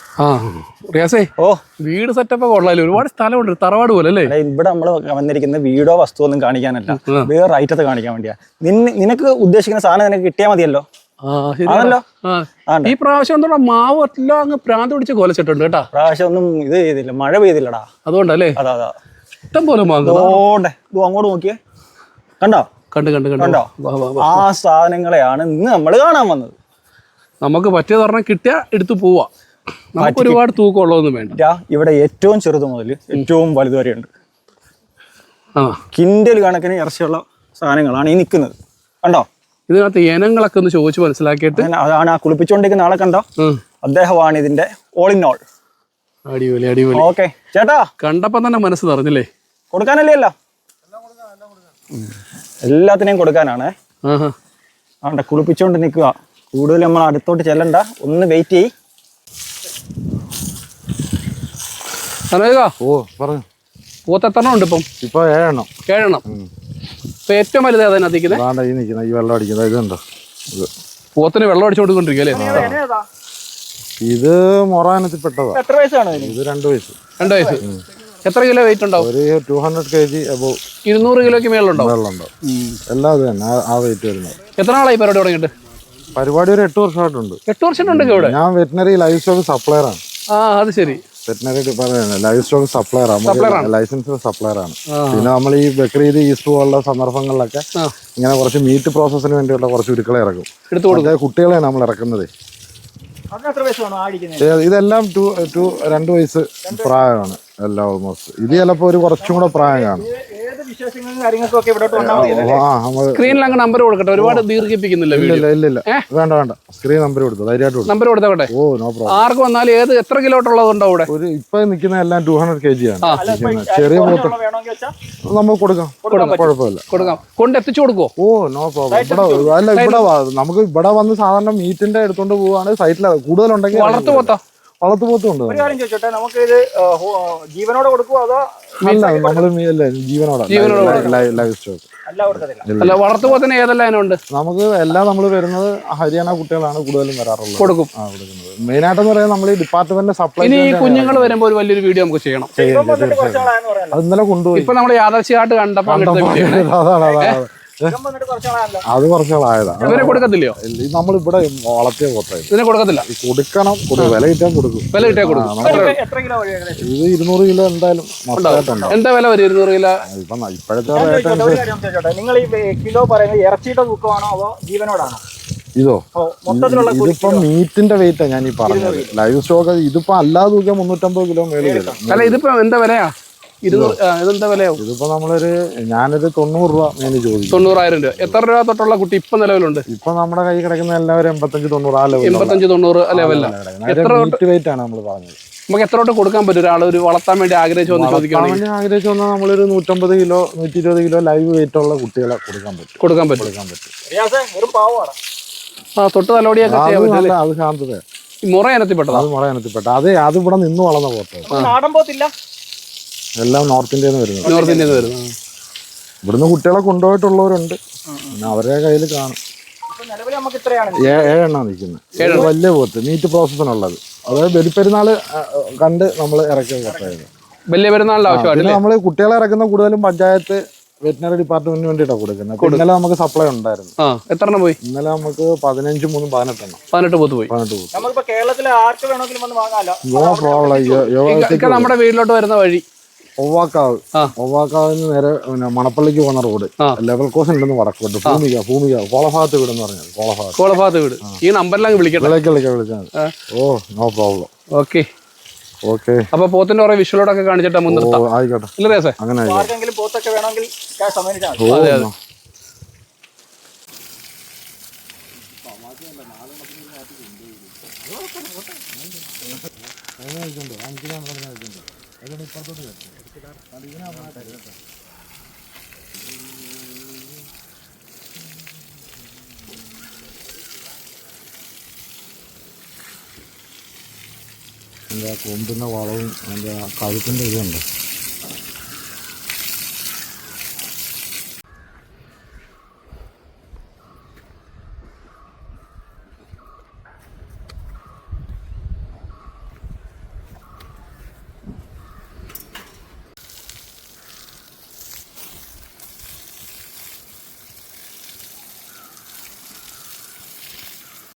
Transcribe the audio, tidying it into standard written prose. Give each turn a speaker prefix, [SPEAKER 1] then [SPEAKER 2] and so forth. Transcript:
[SPEAKER 1] ആ റിയാസേ, വീട് സെറ്റപ്പ് കൊള്ളാലോ, ഒരുപാട് സ്ഥലമുണ്ട്, തറവാട് പോലെ അല്ലേ?
[SPEAKER 2] ഇവിടെ നമ്മൾ വന്നിരിക്കുന്ന വീടോ വസ്തു ഒന്നും കാണിക്കാനല്ല, വേറെ ഐറ്റത്തെ കാണിക്കാൻ വേണ്ടിയാ. നിനക്ക് ഉദ്ദേശിക്കുന്ന സാധനം നിനക്ക് കിട്ടിയാൽ മതിയല്ലോ.
[SPEAKER 1] ഈ പ്രാവശ്യം എന്താ മാവ് എല്ലാം അങ്ങ് പ്രാന്ത് പിടിച്ച് കൊലച്ചിട്ടുണ്ട് കേട്ടാ.
[SPEAKER 2] പ്രാവശ്യം ഒന്നും ഇത് ചെയ്തില്ല, മഴ പെയ്തില്ലടാ,
[SPEAKER 1] അതുകൊണ്ടല്ലേ?
[SPEAKER 2] അതാ
[SPEAKER 1] ഇഷ്ടം പോലെ
[SPEAKER 2] അങ്ങോട്ട് നോക്കിയേ, കണ്ടോ?
[SPEAKER 1] കണ്ടോ?
[SPEAKER 2] ആ സാധനങ്ങളെയാണ് ഇന്ന് നമ്മൾ കാണാൻ വന്നത്.
[SPEAKER 1] നമുക്ക് പറ്റിയത് പറഞ്ഞാൽ കിട്ടിയാ എടുത്തു പോവാ, നമുക്ക് ഒരുപാട് തൂക്കമുള്ളതൊന്നും വേണ്ട.
[SPEAKER 2] ഇവിടെ ഏറ്റവും ചെറുത് മുതൽ ഏറ്റവും വലുത് വരെ ഉണ്ട്. കിൻഡൽ കണക്കിന് ഇറച്ചിയുള്ള സാധനങ്ങളാണ് ഈ നിൽക്കുന്നത്, കണ്ടോ?
[SPEAKER 1] ഇതിനകത്ത് ഇനങ്ങളൊക്കെ ഒന്ന് ചോദിച്ചു മനസ്സിലാക്കിയിട്ട്
[SPEAKER 2] അതാണ് ആ കുളിപ്പിച്ചുകൊണ്ടിരിക്കുന്ന ആളെ കണ്ടോ, അദ്ദേഹമാണ് ഇതിന്റെ ഓൾ ഇൻ ഓൾ.
[SPEAKER 1] അടിപൊളി അടിപൊളി.
[SPEAKER 2] ഓക്കെ ചേട്ടാ,
[SPEAKER 1] കണ്ടപ്പോ തന്നെ മനസ്സ് നിറഞ്ഞില്ലേ?
[SPEAKER 2] കൊടുക്കാനല്ലേ? അല്ല, എല്ലാത്തിനെയും കൊടുക്കാനാണ്. ആണ്ടെ കുളിപ്പിച്ചോണ്ട് നിൽക്കുക, കൂടുതൽ നമ്മൾ അടുത്തോട്ട് ചെല്ലണ്ട, ഒന്ന് വെയിറ്റ് ചെയ്യ്.
[SPEAKER 1] പോത്തെണ്ണം ഉണ്ട് ഇപ്പം?
[SPEAKER 3] ഇപ്പൊ 7 എണ്ണം.
[SPEAKER 1] ഇപ്പൊ ഏറ്റവും വലുത് അതിനകത്തേക്ക്
[SPEAKER 3] ഈ വെള്ളം അടിക്കുന്നത് ഇതുണ്ടോ?
[SPEAKER 1] പോത്തിന് വെള്ളം അടിച്ചു കൊടുക്കൊണ്ടിരിക്കല്ലേ?
[SPEAKER 3] ഇത് മൊറാനത്തിൽ പെട്ടതാ.
[SPEAKER 2] എത്ര വയസ്സാണ്
[SPEAKER 3] ഇത്? 2 വയസ്സ്.
[SPEAKER 1] 2 വയസ്സ്. എത്ര കിലോ വെയിറ്റ് ഉണ്ടാവും?
[SPEAKER 3] ഒരു 200 kg അബവ്.
[SPEAKER 1] 200 കിലോക്ക് മേളുണ്ടോ?
[SPEAKER 3] എല്ലാം അത് തന്നെ ആ വെയിറ്റ് വരുന്നത്.
[SPEAKER 1] എത്ര നാളായി പരിപാടി തുടങ്ങിയിട്ട്?
[SPEAKER 3] പരിപാടി ഒരു 8 വർഷമായിട്ടുണ്ട്.
[SPEAKER 1] 8 വർഷമായിട്ടുണ്ട് ഇവിടെ.
[SPEAKER 3] ഞാൻ വെറ്റിനറി ലൈഫ് സ്റ്റോക്ക് സപ്ലയർ ആണ്.
[SPEAKER 1] അത് ശരി.
[SPEAKER 3] വെറ്റിനറി ലൈഫ് സ്റ്റോക്ക് സപ്ലയർ ആണ്, ലൈസൻസ് സപ്ലയർ ആണ്. പിന്നെ നമ്മൾ ഈ ബക്രീദ്, ഈസ്റ്റർ പോലുള്ള സന്ദർഭങ്ങളിലൊക്കെ ഇങ്ങനെ കുറച്ച് മീറ്റ് പ്രോസസ്സിന് വേണ്ടിയുള്ള കുറച്ച് ഉരുക്കളെ ഇറക്കും. കുട്ടികളെയാണ് നമ്മൾ ഇറക്കുന്നത്. ഇതെല്ലാം 2 വയസ്സ് പ്രായമാണ് എല്ലാം ഓൾമോസ്റ്റ്. ഇത് ചിലപ്പോ ഒരു കുറച്ചും കൂടെ പ്രായം കാണും.
[SPEAKER 1] സ്ക്രീനിൽ അങ്ങ് നമ്പർ കൊടുക്കട്ടെ, ഒരുപാട് ദീർഘിപ്പിക്കുന്നില്ല.
[SPEAKER 3] ഇല്ല വേണ്ട, സ്ക്രീൻ നമ്പർ കൊടുത്തു, ധൈര്യമായിട്ട്
[SPEAKER 1] നമ്പർ കൊടുത്തോട്ടെ.
[SPEAKER 3] Oh no problem.
[SPEAKER 1] ആർക്ക് വന്നാലും എത്ര കിലോട്ടുള്ളതുണ്ടോ ഇവിടെ?
[SPEAKER 3] ഒരു ഇപ്പൊ നിൽക്കുന്ന എല്ലാം 200 kg ആണ്. ചെറിയ പോത്ത് നമുക്ക് കൊടുക്കാം, കുഴപ്പമില്ല,
[SPEAKER 1] കൊടുക്കാം. കൊണ്ട് എത്തിച്ചു കൊടുക്കോ?
[SPEAKER 3] Oh no problem. ഇവിടെ നമുക്ക് ഇവിടെ വന്ന് സാധാരണ മീറ്റിന്റെ എടുത്തോണ്ട് പോവാണ്. സൈറ്റിൽ കൂടുതലുണ്ടെങ്കിൽ വളർത്തുപോത്തുണ്ട്.
[SPEAKER 2] നമുക്ക് ഇത് ജീവനോടെ കൊടുക്കുവോ അതോ?
[SPEAKER 3] നമ്മള് ജീവനോടെ ലൈവ് സ്റ്റോക്ക്.
[SPEAKER 1] അല്ല, വളർത്തുപോത്തിന് ഏതെല്ലാം ഇനമുണ്ട്?
[SPEAKER 3] നമുക്ക് എല്ലാം നമ്മൾ വരുന്നത് ഹരിയാന കുട്ടികളാണ് കൂടുതലും വരാറുള്ളത്.
[SPEAKER 1] കൊടുക്കും.
[SPEAKER 3] മെയിൻ ആയിട്ട് പറയുന്നത് നമ്മൾ ഈ ഡിപ്പാർട്ട്മെന്റ് സപ്ലൈ.
[SPEAKER 1] ഇനി ഈ കുഞ്ഞുങ്ങൾ വരുമ്പോൾ ഒരു വലിയൊരു വീഡിയോ നമുക്ക് ചെയ്യണം.
[SPEAKER 3] അത് ഇന്നലെ കൊണ്ടുപോയി.
[SPEAKER 1] ഇപ്പൊ നമ്മൾ യാദർച്ഛയായിട്ട് കണ്ടപ്പോ
[SPEAKER 3] അതാണ് അത് കുറച്ചാളായതാ.
[SPEAKER 1] ഇവരെ കൊടുക്കത്തില്ലയോ?
[SPEAKER 3] നമ്മൾ ഇവിടെ വളർത്തിയ പോത്തായി.
[SPEAKER 1] ഇതിനെ കൊടുക്കത്തില്ല.
[SPEAKER 3] കൊടുക്കണം, വില കിട്ടാൻ കൊടുക്കും.
[SPEAKER 1] വില കിട്ടാൻ കൊടുക്കും.
[SPEAKER 3] ഇത് 200 കിലോ എന്തായാലും മൊത്തമായിട്ടുണ്ട്.
[SPEAKER 1] എന്താ വില വരും 200 കിലോ?
[SPEAKER 3] ഇപ്പോഴത്തെ റേറ്റ്.
[SPEAKER 2] നിങ്ങൾ ഈ കിലോ പറയുന്നത് ഇറച്ചിയുടെ തൂക്കമാണോ അതോ ജീവനോടാണോ?
[SPEAKER 3] ഇതോ ഇതിപ്പോ മീറ്റിന്റെ വെയിറ്റാ ഞാൻ ഈ പറഞ്ഞത്. ലൈവ് സ്റ്റോക്ക് ഇതിപ്പോ അല്ലാതെ തൂക്കിയാൽ 350 കിലോ മേളിൽ വരും.
[SPEAKER 1] അല്ല, ഇതിപ്പോ എന്താ വിലയാ? ഇതെന്താ വിലയാവും?
[SPEAKER 3] ഇതിപ്പോ ഞാനൊരു 90 രൂപ മേലെ ചോദിക്കും.
[SPEAKER 1] 90,000 രൂപ. എത്ര രൂപ തൊട്ടുള്ള കുട്ടി ഇപ്പൊ നിലവിലുണ്ട്?
[SPEAKER 3] ഇപ്പൊ നമ്മുടെ കൈ കിടക്കുന്ന എല്ലാവരും 85-90 ആ ലെവൽ.
[SPEAKER 1] 85-90 ലെവലിലാണ്.
[SPEAKER 3] മീറ്റ് വെയിറ്റ് ആണ് നമ്മൾ പറഞ്ഞത്.
[SPEAKER 1] നമുക്ക് എത്ര തൊട്ട് കൊടുക്കാൻ പറ്റും? ഒരാൾ ഒരു വളർത്താൻ വേണ്ടി ആഗ്രഹിച്ചു
[SPEAKER 3] വന്നാൽ നമ്മളൊരു 150 കിലോ 120 കിലോ ലൈവ് വെയിറ്റ് ഉള്ള കുട്ടികളെ കൊടുക്കാൻ പറ്റും.
[SPEAKER 1] തൊട്ട് തലോടിയൊക്കെ
[SPEAKER 3] അത് ശാന്തത.
[SPEAKER 1] മുറ ഇനത്തിൽപ്പെട്ടത്.
[SPEAKER 3] അത് മുറ ഇനത്തിൽപ്പെട്ട. അതെ, അത് ഇവിടെ നിന്ന് വളർന്ന പോത്ത്. എല്ലാം നോർത്ത് ഇന്ത്യയിൽ നിന്ന് വരുന്നത്. ഇവിടുന്ന് കുട്ടികളെ കൊണ്ടുപോയിട്ടുള്ളവരുണ്ട്, പിന്നെ അവരുടെ കയ്യിൽ കാണും. 7 എണ്ണം നിൽക്കുന്നത്. വലിയ പോത്ത് മീറ്റ് പ്രോസസ്സിനുള്ളത്. അതായത് ബലിപ്പെരുന്നാള് കണ്ട് നമ്മൾ ഇറക്കിയ പോത്തായിരുന്നു.
[SPEAKER 1] വലിയ പെരുന്നാളിന്റെ ആവശ്യമായിട്ട്
[SPEAKER 3] നമ്മള് കുട്ടികളെ ഇറക്കുന്ന കൂടുതലും പഞ്ചായത്ത് വെറ്റിനറി ഡിപ്പാർട്ട്മെന്റിന് വേണ്ടിയിട്ടാണ് കൊടുക്കുന്നത്. ഇന്നലെ നമുക്ക് സപ്ലൈ ഉണ്ടായിരുന്നു.
[SPEAKER 1] എത്ര എണ്ണം പോയി?
[SPEAKER 3] ഇന്നലെ നമുക്ക് 15 3 18 എണ്ണം.
[SPEAKER 1] 18 പോത്ത് പോയി.
[SPEAKER 2] 18 പോത്ത്. കേരളത്തിലെ ആർക്ക് വേണമെങ്കിലും വന്ന് വാങ്ങാലോ.
[SPEAKER 3] No problem.
[SPEAKER 1] നമ്മുടെ വീട്ടിലോട്ട് വരുന്ന വഴി
[SPEAKER 3] ഒവ്വാക്കാവിന് നേരെ മണപ്പള്ളിക്ക് പോകുന്ന റോഡ് ലെവൽ ക്രോസ് ഉണ്ടെന്ന് വടക്കോട്ട് ഭൂമിക കോളഭാഗത്ത് വീട് എന്ന് പറഞ്ഞത്.
[SPEAKER 1] കോളഭാഗത്ത് വീട്. ഈ നമ്പറിലാണ്
[SPEAKER 3] വിളിച്ചാൽ ഓ നോ പ്രോബ്ലം.
[SPEAKER 1] ഓക്കെ. അപ്പൊ പോത്തിന്റെ കുറെ വിഷ്വലോടൊക്കെ കാണിച്ചിട്ടാ മുൻനിർത്താം.
[SPEAKER 3] ആയിക്കോട്ടെ, അങ്ങനെ
[SPEAKER 2] പോത്തൊക്കെ വേണമെങ്കിൽ
[SPEAKER 3] കൊമ്പിന്റെ വളവും അതിന്റെ കഴുത്തിന്റെ ഇതുണ്ട്.